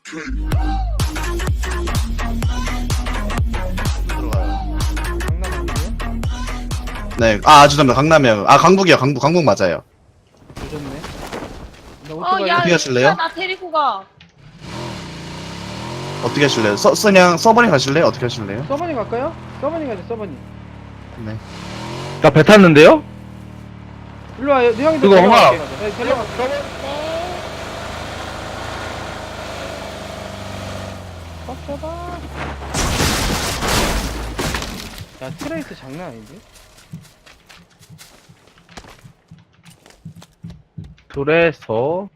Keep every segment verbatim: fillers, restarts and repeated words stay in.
들어가요. 강남 아니에요? 네, 아, 죄송합니다. 강남이요. 아, 강북이요. 강북, 강북 맞아요. 조졌네. 나 어, 오토바이 야, 어떻게 하실래요? 야, 나 데리고 가. 어떻게 하실래요? 서, 그냥 서버니 가실래요? 어떻게 하실래요? 서버니 갈까요? 서버니 가자 서버니. 네. 나 배 탔는데요? 일로 와요. 네 형이 그거 데려갈게. 엄마. 네, 데려갈게. 네. 꽉 잡아. 야 트레이스 장난 아닌데? 그래서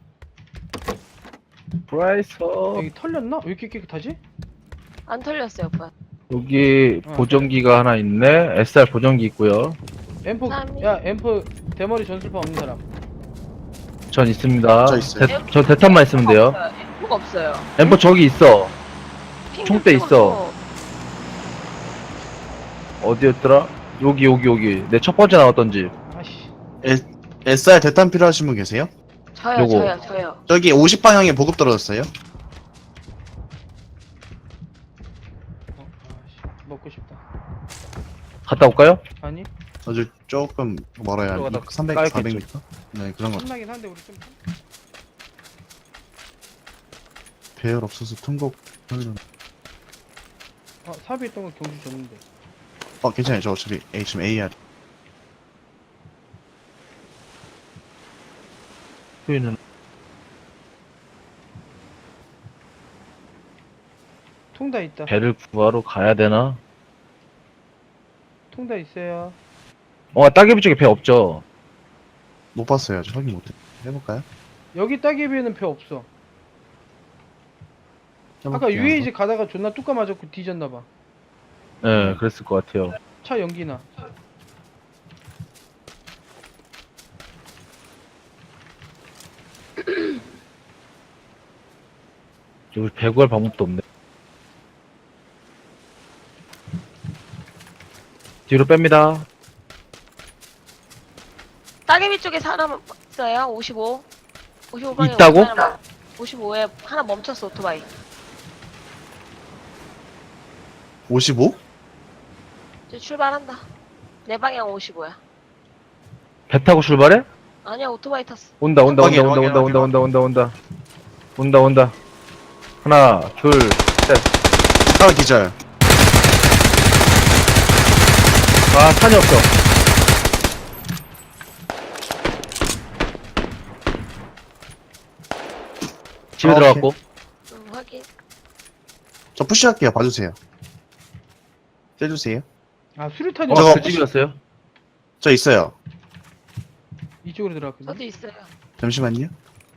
그래서 여기 털렸나? 왜 이렇게 깨끗하지? 안 털렸어요, 오빠. 여기 어. 보정기가 하나 있네. 에스알 보정기 있고요. 엠포 삼이. 야 엠포 대머리 전술파 없는 사람. 전 있습니다. 저 있어요. 대, 저 대탄만 있으면 돼요. 뭐가 없어요. 엠포 저기 있어. 핑 총대 좀 있어. 찍어줘. 어디였더라? 여기 여기 여기. 내 첫 번째 나왔던 집. 아씨. 에스알 대탄 필요하신 분 계세요? 저요, 요거. 저요, 저요. 저기 오십 방향에 보급 떨어졌어요. 어, 아씨. 먹고 싶다. 갔다 올까요? 아니? 저기 조금 멀어요. 한 들어가다 삼백, 까였겠죠. 사백 미터? 네, 그런 거. 끝나긴 한데 우리 좀. 배열 없어서 통곡. 어 삽이 있던 거 경주 줬는데. 어, 괜찮아요. 저 어차피 A, 지금 에이알. 수위는 통다 있다. 배를 구하러 가야 되나? 통다 있어요. 어, 따개비 쪽에 배 없죠? 못 봤어요. 아직 확인 못해. 해볼까요? 여기 따개비에는 배 없어. 아까 해볼게요, 유에이지 가다가 존나 뚜까 맞았고 뒤졌나봐. 네, 그랬을 것 같아요. 차 연기나. 여기 배 구할 방법도 없네. 뒤로 뺍니다. 따개비 쪽에 사람 있어요? 오십오. 오십오 방에 있다고? 오십오에 하나 멈췄어, 오토바이. 오십오? 이제 출발한다. 내 방향 오십오야. 배 타고 출발해? 아니야, 오토바이 탔어. 온다, 온다, 온다, 확인, 온다, 확인, 온다, 온다, 확인, 온다, 온다, 온다. 온다, 온다. 하나, 둘, 셋. 하나 기절. 아, 탄이 없어. 집에 아, 들어갔고. 음, 확인. 저 푸시할게요. 봐주세요. 떼주세요. 아 수류탄이 어, 저거- 그 집이었어요? 저 있어요. 이쪽으로 들어갔거든. 저도 있어요. 잠시만요.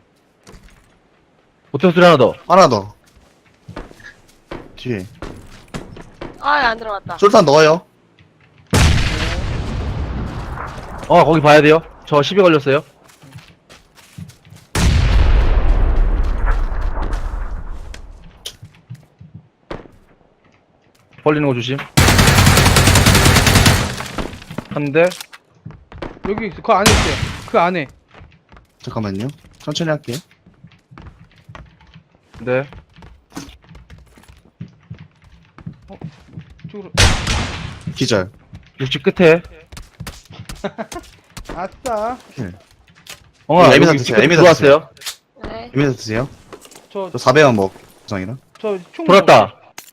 보태 소리 하나 더. 하나 더. 뒤에. 아, 안 들어갔다. 솔탄 넣어요. 어, 거기 봐야 돼요. 저 시비 걸렸어요. 벌리는 거 조심. 한 대. 여기 있어. 그 안에 있어요. 그 안에. 잠깐만요. 천천히 할게요. 네. 이쪽으로. 기절. 육지 끝에. 아싸. 어, 네, 여기 에미사 육지 드세요, 끝에 에미사 들어왔어요. 네. 이미서 드세요. 저 저 사백원 먹, 정이라. 저총 돌았다.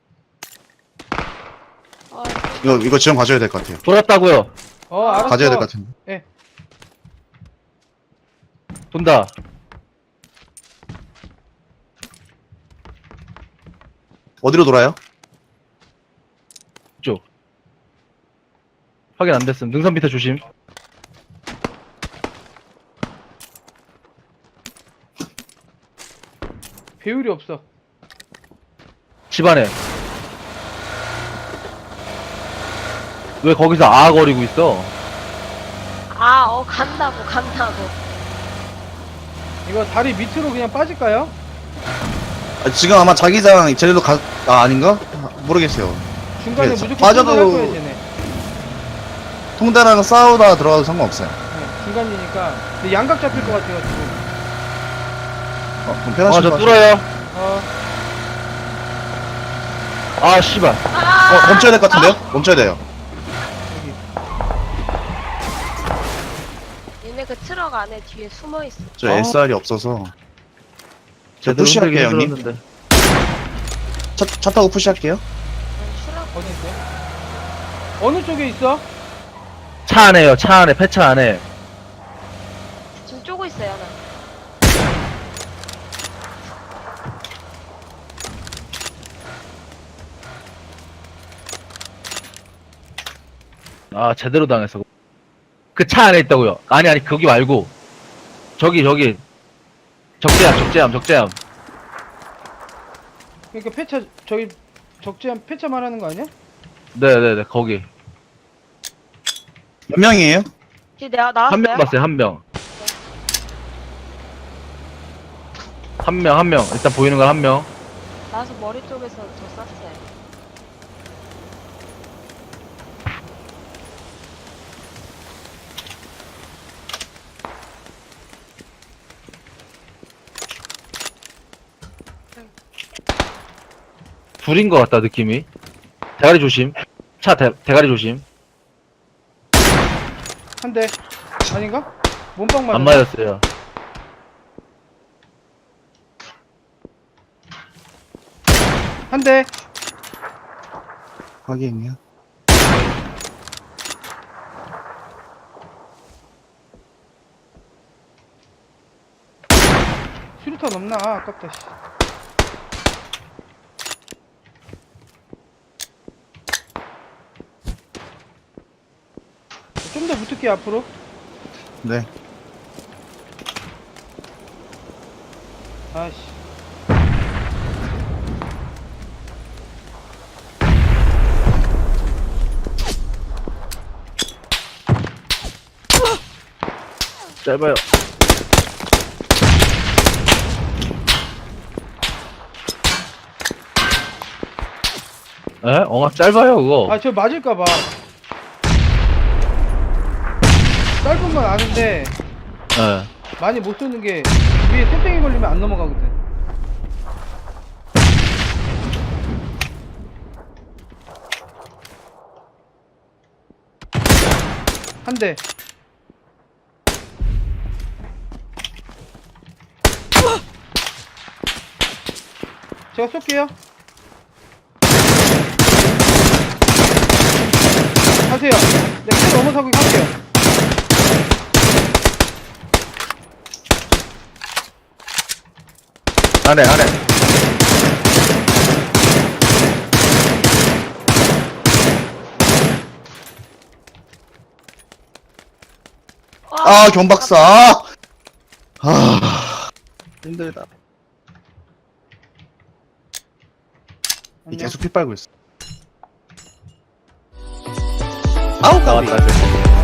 어, 이거, 이거 지원 가져야 될 것 같아요. 돌았다고요. 어 알았어. 가져야 될 것 같은데. 예. 돈다. 어디로 돌아요? 쪽. 확인 안 됐음. 능선 밑에 조심. 배율이 없어. 집 안에. 왜 거기서 아거리고 있어? 아, 어, 간다고, 간다고. 이거 다리 밑으로 그냥 빠질까요? 아, 지금 아마 자기장 제대로 가, 아, 아닌가? 아, 모르겠어요. 중간에 네, 무조건 빠져도- 할 거야 쟤네. 통대랑 싸우다 들어가도 상관없어요. 네, 중간이니까. 근데 양각 잡힐 것 같아가지고. 어, 그럼 아, 편하신 저 것 같아요. 뚫어요. 어, 아, 씨발. 아! 어, 멈춰야 될 것 같은데요? 멈춰야 돼요. 여기. 얘네 그 트럭 안에 뒤에 숨어 있어. 저 어. 에스알이 없어서. 저 제대로 푸시할게요, 흔들긴 형님. 흔들었는데. 차, 차 타고 푸시할게요. 난 추락. 어디 있어? 어느 쪽에 있어? 차 안에요, 차 안에, 폐차 안에. 지금 쪼고 있어요, 나. 아, 제대로 당했어. 그 차 안에 있다고요. 아니, 아니, 거기 말고. 저기, 저기. 적재함, 적재함, 적재함. 그러니까 폐차 저기 적재한 폐차 말하는 거 아니야? 네네네, 거기. 몇 명이에요? 뒤에 내가 나왔어요. 한 명 봤어요, 한 명. 한 명, 한 명. 일단 보이는 건 한 명. 나와서 머리 쪽에서 저 쐈어요. 둘인 것 같다, 느낌이. 대가리 조심. 차 대, 대가리 조심. 한 대. 아닌가? 몸빵 맞았 안 맞았어요. 한 대. 확인이요. 수류탄 없나? 아, 아깝다. 씨. 좀 더 붙을게 앞으로. 네. 아씨. 짧아요. 에? 엉아 짧아요, 그거. 아, 저 맞을까봐. 짧은 건 아는데 예. 많이 못 쏘는 게 위에 쇠땡이 걸리면 안 넘어가거든. 한 대. 제가 쏠게요. 가세요. 네, 킬 넘어서고 할게요. 안에, 안에. 와, 아, 경박사. 아, 아, 힘들다. 안녕. 계속 피 빨고 있어. 아우, 까비. 나왔다, 이제.